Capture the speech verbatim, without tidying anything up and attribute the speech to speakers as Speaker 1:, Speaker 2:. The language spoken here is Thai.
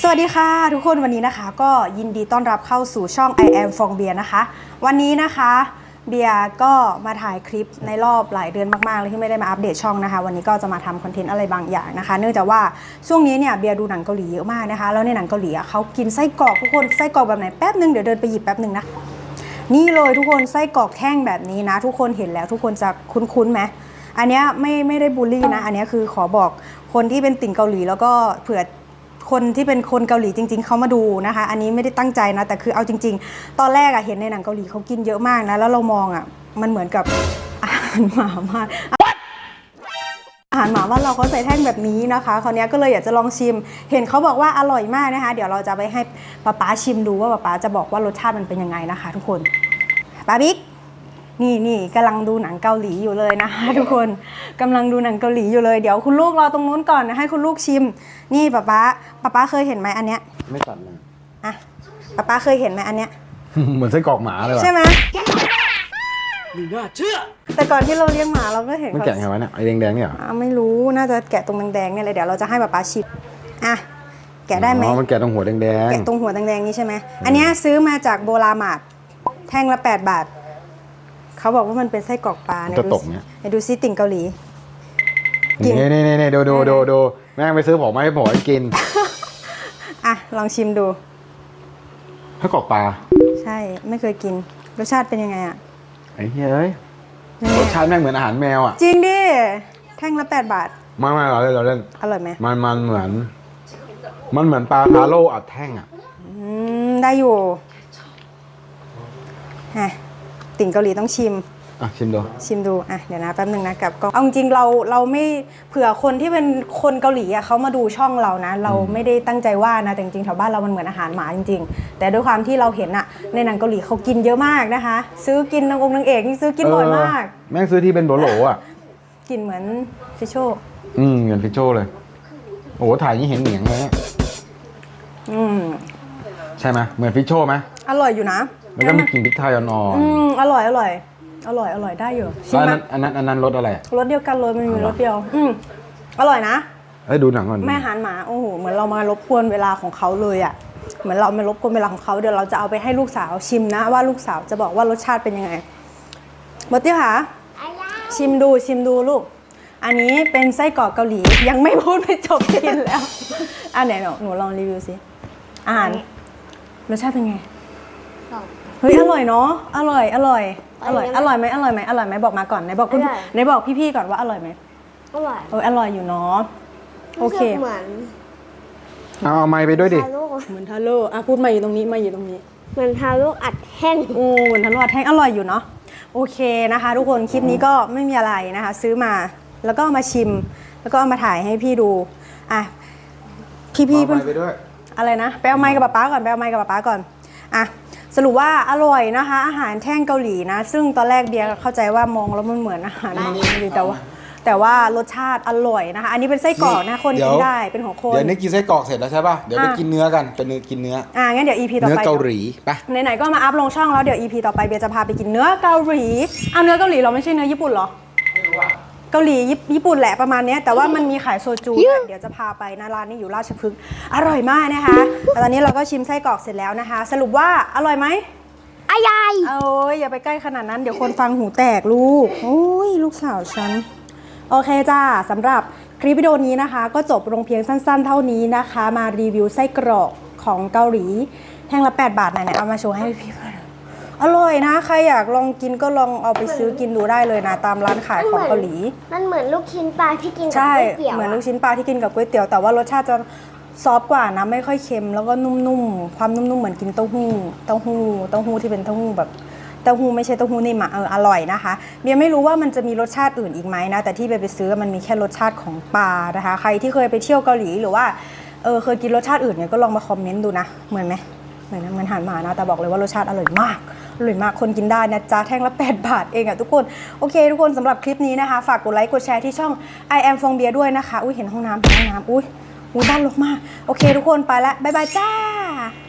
Speaker 1: สวัสดีค่ะทุกคนวันนี้นะคะก็ยินดีต้อนรับเข้าสู่ช่อง I am ฟองเบียร์นะคะวันนี้นะคะเบียร์ก็มาถ่ายคลิปในรอบหลายเดือนมากๆเลยที่ไม่ได้มาอัปเดตช่องนะคะวันนี้ก็จะมาทำคอนเทนต์อะไรบางอย่างนะคะเนื่องจากว่าช่วงนี้เนี่ยเบียร์ดูหนังเกาหลีเยอะมากนะคะแล้วในหนังเกาหลีเขากินไส้กรอกทุกคนไส้กรอกแบบไหนแป๊บนึงเดี๋ยวเดินไปหยิบแป๊บนึงนะนี่เลยทุกคนไส้กรอกแท่งแบบนี้นะทุกคนเห็นแล้วทุกคนจะคุ้นๆไหมอันนี้ไม่ไม่ได้บูลลี่นะอันนี้คือขอบอกคนที่เป็นติ่งเกาหลีแล้วก็เผื่อคนที่เป็นคนเกาหลีจริงๆเขามาดูนะคะอันนี้ไม่ได้ตั้งใจนะแต่คือเอาจริงๆตอนแรกอะเห็นในหนังเกาหลีเขากินเยอะมากนะแล้วเรามองอะมันเหมือนกับอาหารหมามากอาหารหมาว่าเราเขาใส่แท่งแบบนี้นะคะคราวนี้ก็เลยอยากจะลองชิมเห็นเขาบอกว่าอร่อยมากนะคะเดี๋ยวเราจะไปให้ป๊าป๊าชิมดูว่าป๊าป๊าจะบอกว่ารสชาติมันเป็นยังไงนะคะทุกคนป๊าบิ๊กนี่นี่กำลังดูหนังเกาหลีอยู่เลยนะคะทุกคนกำลังดูหนังเกาหลีอยู่เลยเดี๋ยวคุณลูกรอตรงนู้นก่อนนะให้คุณลูกชิมนี่ป๊าป๊าป๊าป๊าเคยเห็นไหมอันเนี้ย
Speaker 2: ไม่ตัดเลย
Speaker 1: อ่ะป๊าป๊าเคยเห็นไหมอันเนี้ย
Speaker 2: เหมือนไส้กรอกหมาเลยว่ะ
Speaker 1: ใช่ไหม
Speaker 3: ไม่น่าเชื่อ
Speaker 1: แต่ก่อนที่เราเลี้ยงหมาเราก็เห็น
Speaker 2: มันแกะไงวะเนี่ยไอ้แดงๆเนี่ยเหรอ
Speaker 1: ไม่รู้น่าจะแกะตรงแดงๆเนี่ยเลยเดี๋ยวเราจะให้ป๊าป๊าชิมอ่ะแกะได้ไหม
Speaker 2: อ๋อมันแกะตรงหัวแดงๆ
Speaker 1: แกะตรงหัวแดงๆนี่ใช่ไหมอันนี้ซื้อมาจากโบรามาร์ทแท่งละแปดบาทเขาบอกว่ามันเป็นไส้กรอกปลาเนี่ยดูสิดูซิติ่งเกาหลี
Speaker 2: นี่นี่นี่ดูดูดูดูแม่งไปซื้อผมมาให้ผมกิน
Speaker 1: อ่ะลองชิมดู
Speaker 2: ไส้กรอกปลา
Speaker 1: ใช่ไม่เคยกินรสชาติเป็นยังไงอ่ะ
Speaker 2: ไอ้เฮ้ยรสชาติแม่งเหมือนอาหารแมวอ่ะ
Speaker 1: จริงดิแท่งละแปดบาท
Speaker 2: ไม่ไม่เราเล่นเราเล่น
Speaker 1: อร่อยไหม
Speaker 2: มันมันเหมือนมันเหมือนปลาคาโร่อัดแท่งอ่ะ
Speaker 1: อืมได้อยู่ฮะติ่งเกาหลีต้องชิม
Speaker 2: อ่ะชิมดู
Speaker 1: ชิมดูอ่ะเดี๋ยวนะแป๊บนึงนะกับก็เอาจริงเราเราไม่เผื่อคนที่เป็นคนเกาหลีอ่ะเขามาดูช่องเรานะเราไม่ได้ตั้งใจว่านะแต่จริงๆแถวบ้านเรามันเหมือนอาหารหมาจริงๆแต่ด้วยความที่เราเห็นอะในหนังเกาหลีเขากินเยอะมากนะคะซื้อกินนางองค์นางเอกนี่ซื้อกินบ่อยมาก
Speaker 2: แม่งซื้อที่เป็นโหลๆอ่ะ
Speaker 1: กินเหมือนฟิชโช
Speaker 2: อืมเหมือนฟิชโชเลยโอ้ถ่ายนี่เห็นเหนียงเลยเนี่ย
Speaker 1: อืม
Speaker 2: ใช่ไหมเหมือนฟิชโชไหม
Speaker 1: อร่อยอยู่นะ
Speaker 2: แล้วก็มีกลิ่นพริกไทยอ่อนๆ
Speaker 1: อืมอร่อยอร่อยอร่อยอร่อยได้อยู่
Speaker 2: ชิมไหมอันนั้นอันนั้นรสอะไร
Speaker 1: รสเดียวกันเลยมันมีรสเดียวอืมอร่อยนะ
Speaker 2: เอ้ยดูหนังก่อน
Speaker 1: แม่อาหารหมาโอ้โหเหมือนเรามารบกวนเวลาของเขาเลยอ่ะเหมือนเรามารบกวนเวลาของเขาเดี๋ยวเราจะเอาไปให้ลูกสาวชิมนะว่าลูกสาวจะบอกว่ารสชาติเป็นยังไงบอตี้ค่ะชิมดูชิมดูลูกอันนี้เป็นไส้กรอกเกาหลียังไม่พูดไม่จบกินแล้วอ่ะไหนหนูหนูลองรีวิวสิอาหารรสชาติเป็นไงเฮ้ยอร่อยเนาะอร่อยอร่อยอร่อยอร่อยไหมอร่อยไหมอร่อยไหมบอกมาก่อนไหนบอกคุณไหนบอกพี่ๆก่อนว่าอร่อยไหม
Speaker 4: อร่อย
Speaker 1: เอออร่อยอยู่เนาะโอเค
Speaker 4: เหมือน
Speaker 2: เอาไม้ไปด้วยดิ
Speaker 1: เหมือนทาโร่อ่ะพูดมาอยู่ตรงนี้มาอยู่ตรงนี้
Speaker 4: เหมือนทาโร่อัดแห้ง
Speaker 1: โอ้เหมือนทาโร่อัดแห้งอร่อยอยู่เนาะโอเคนะคะทุกคนคลิปนี้ก็ไม่มีอะไรนะคะซื้อมาแล้วก็เอามาชิมแล้วก็เอามาถ่ายให้พี่ดูอ่ะพี่ๆเพื่อนอะไรนะไปเอาไม้กับป๊าก่อนไปเอาไม้กับป๊าก่อนอ่ะสรุปว่าอร่อยนะคะอาหารแท่งเกาหลีนะซึ่งตอนแรกเบียร์เข้าใจว่ามองแล้วมันเหมือนอาหารมังดีแต่ว่าแต่ว่ารสชาติอร่อยนะคะอันนี้เป็นไส้กรอกนะคนกินได้เป็นของคน
Speaker 2: เดี๋ยวนี้กินไส้กรอกเสร็จแล้วใช่ป่ะเดี๋ยวไปกินเนื้อกันเป็นเนื้อกินเนื้อ
Speaker 1: อ่างั้นเดี๋ยว อี พี ต่อไป
Speaker 2: เนื้อเกาหลีไป
Speaker 1: ไหนๆก็มาอัพลงช่องแล้วเดี๋ยว อี พี ต่อไปเบียร์จะพาไปกินเนื้อเกาหลีเอาเนื้อเกาหลีเราไม่ใช่เนื้อญี่ปุ่นหรอไม่รู้อะเกาหลีญี่ปุ่นแหละประมาณนี้แต่ว่ามันมีขายโซจูเดี๋ยวจะพาไปนะร้านนี้อยู่ราชพฤกษ์อร่อยมากนะคะตอนนี้เราก็ชิมไส้กรอกเสร็จแล้วนะคะสรุปว่าอร่อยไหม
Speaker 4: อร่อย
Speaker 1: โอ้ยอย่าไปใกล้ขนาดนั้นเดี๋ยวคนฟังหูแตกลูกโอ้ยลูกสาวฉันโอเคจ้าสำหรับคลิปวิดีโอนี้นะคะก็จบลงเพียงสั้นๆเท่านี้นะคะมารีวิวไส้กรอกของเกาหลีแท่งละแปดบาทไหนๆเอามาโชว์ให้พี่อร่อยนะใครอยากลองกินก็ลองเอาไปซื้อกินดูได้เลยนะตามร้านขายของเกาหลี
Speaker 4: มันเหมือนลูกชิ้นปลาที่กินกับก๋วยเตี๋ยว
Speaker 1: เหมือนลูกชิ้นปลาที่กินกับก๋วยเตี๋ยวแต่ว่ารสชาติจะซอฟกว่านะไม่ค่อยเค็มแล้วก็นุ่มๆความนุ่มๆเหมือนกินเต้าหู้เต้าหู้เต้าหู้ที่เป็นเต้าหู้แบบเต้าหู้ไม่ใช่เต้าหู้นิ่มอ่ะเอออร่อยนะคะเบียร์ไม่รู้ว่ามันจะมีรสชาติอื่นอีกไหมนะแต่ที่ไปไปซื้อมันมีแค่รสชาติของปลานะคะใครที่เคยไปเที่ยวเกาหลีหรือว่าเออเคยกินรสชาติอื่นเนี่ยก็ลองมาคอมเมนต์ดูนะเหมือนไหมเหมือนเหมือนอาหารหมานะแต่บอกเลยว่ารสชาติอร่อยมากอร่อยมากคนกินได้นะจ๊ะแท่งละแปดบาทเองอ่ะทุกคนโอเคทุกคนสำหรับคลิปนี้นะคะฝากกดไลค์กดแชร์ที่ช่อง I am ฟองเบียร์ด้วยนะคะอุ้ยเห็นห้องน้ำเห็นห้องน้ำอุ้ยอุ้ยบ้านรกมากโอเคทุกคนไปละบ๊ายบายจ้า